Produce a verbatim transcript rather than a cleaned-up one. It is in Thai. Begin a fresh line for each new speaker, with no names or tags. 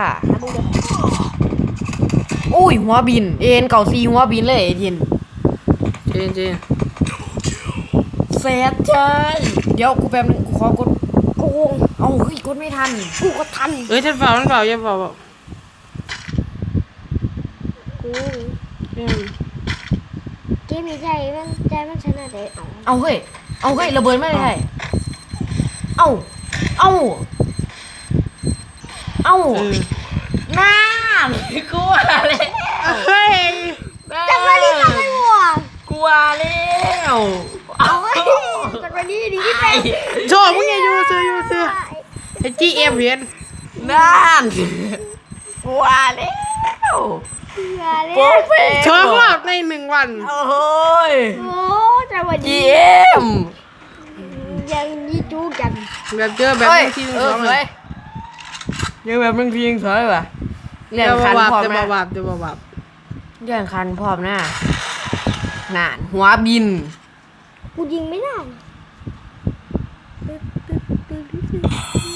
ค่ะอุ้ยหัวบินเอ็นเก่าซีหัวบินเลยเอ็น
เจนเจน
แซดใช่เดี๋ยวกูแป๊บนึงกูขอกดโกงเอาเฮ้ยกดไม่ทันกูก็ทัน
เอ้ยฉันเปล่าฉันเปล่าอย่าเปล่า
กู
เกม
เกมนี้ใจมันใจมันชนะได้เอา
เอาเฮ้ยเอาเฮ้ยระเบิดไม่ได้เอาเอาเอาน้ากูอะไร
เฮ้ย
จังหวะนี้ทำไมวะ
กลัวแล้ว
เอาไว้จังหวะนี้ดีที่เป็น
โชว์มึงอย่าอยู่เสืออยู่เสือไอ้จีเอ็มเห็น
นั่นกลัวแล้ว
อย่าเลย
โปรเฟส
สองรอบในหนึ่งวัน
โอ้ย
โอ้จังหวะ
จี
นี้
เอ็ม
ยังยี่จู้กัน
แบบเจอแบบหนึ่งทีหนึ่งสองเลย
ยังแบบมึงทีงสวยว่ะเรื่อง
จะ
คัน
บาบ
พร้อม
จะ
นะ
บาบจะบาบ
เรื่องคันพร้อมนะนานหัวบิน
กูยิงไม่ได้